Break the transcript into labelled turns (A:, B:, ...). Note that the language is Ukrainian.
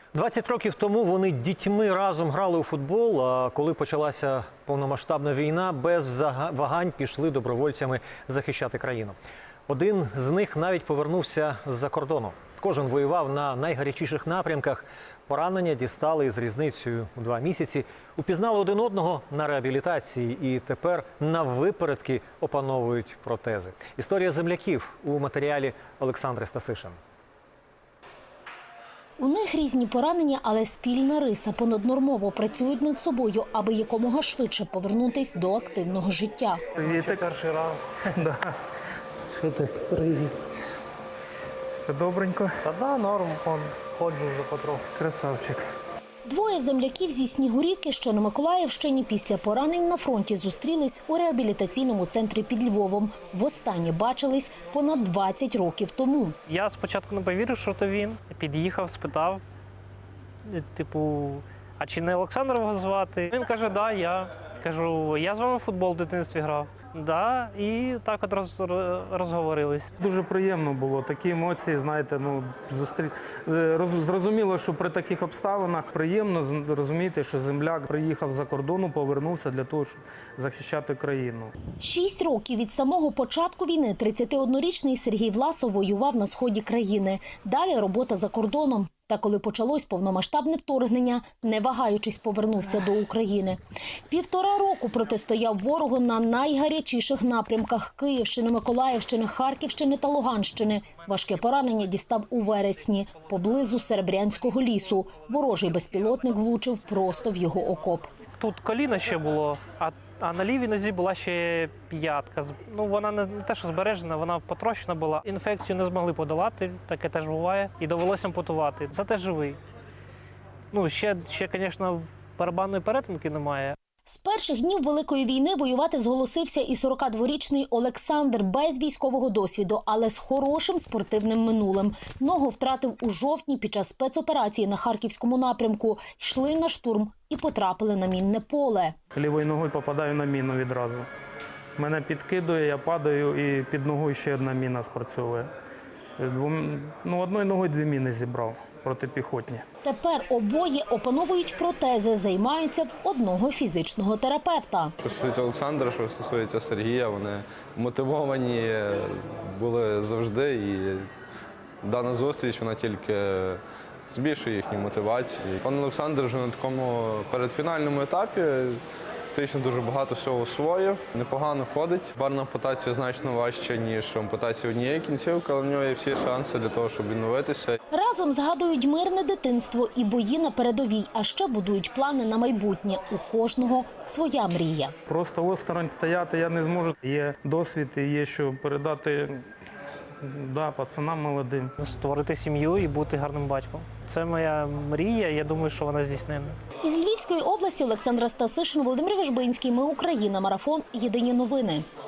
A: 20 років тому вони дітьми разом грали у футбол, а коли почалася повномасштабна війна, без вагань пішли добровольцями захищати країну. Один з них навіть повернувся з-за кордону. Кожен воював на найгарячіших напрямках. Поранення дістали із різницею у 2 місяці. Упізнали один одного на реабілітації і тепер наввипередки опановують протези. Історія земляків у матеріалі Олександри Стасишин.
B: У них різні поранення, але спільна риса. Понаднормово працюють над собою, аби якомога швидше повернутись до активного життя.
C: Це перший раз. Да. Що ти? Привіт. Все добренько?
D: Та да, норм, ходжу вже потроху.
C: Красавчик.
B: Двоє земляків зі Снігурівки, що на Миколаївщині, після поранень на фронті зустрілись у реабілітаційному центрі під Львовом. Востаннє бачились понад 20 років тому.
D: Я спочатку не повірив, що то він. Під'їхав, спитав, типу, а чи не Олександр його звати? Він каже, да, я. Кажу, я з вами в футбол в дитинстві грав. Да, і так от розговорились.
C: Дуже приємно було. Такі емоції, знаєте, зрозуміло, що при таких обставинах приємно розуміти, що земляк приїхав за кордону, повернувся для того, щоб захищати країну.
B: 6 років від самого початку війни 31-річний Сергій Власов воював на сході країни. Далі робота за кордоном. Та коли почалось повномасштабне вторгнення, не вагаючись, повернувся до України. 1,5 року протистояв ворогу на найгарячіших напрямках – Київщини, Миколаївщини, Харківщини та Луганщини. Важке поранення дістав у вересні, поблизу Серебрянського лісу. Ворожий безпілотник влучив просто в його окоп.
D: Тут коліно ще було, а на лівій нозі була ще п'ятка. Ну, вона не те, що збережена, вона потрощена була. Інфекцію не змогли подолати, таке теж буває, і довелося ампутувати. Зате живий. Ну, ще, звісно, барабанної перетинки немає.
B: З перших днів Великої війни воювати зголосився і 42-річний Олександр без військового досвіду, але з хорошим спортивним минулим. Ногу втратив у жовтні під час спецоперації на Харківському напрямку. Йшли на штурм і потрапили на мінне поле.
C: Лівою ногою попадаю на міну відразу. Мене підкидує, я падаю і під ногою ще одна міна спрацьовує. Одною ногою 2 міни зібрав протипіхотні.
B: Тепер обоє опановують протези, займаються в одного фізичного терапевта.
E: Що стосується Олександра, що стосується Сергія, вони мотивовані були завжди. І дана зустріч, вона тільки збільшує їхню мотивацію. Пан Олександр вже на такому передфінальному етапі фактично дуже багато всього освоїв, непогано ходить. Барна ампутація значно важча, ніж ампутація однієї кінцівки, але в нього є всі шанси для того, щоб відновитися.
B: Разом згадують мирне дитинство і бої на передовій, а ще будують плани на майбутнє. У кожного своя мрія.
C: Просто осторонь стояти я не зможу. Є досвід і є що передати пацанам молодим.
D: Створити сім'ю і бути гарним батьком. Це моя мрія, я думаю, що вона здійснена.
B: Із Львівської області Олександра Стасишин, Володимир Вежбинський. Ми Україна. Марафон. Єдині новини.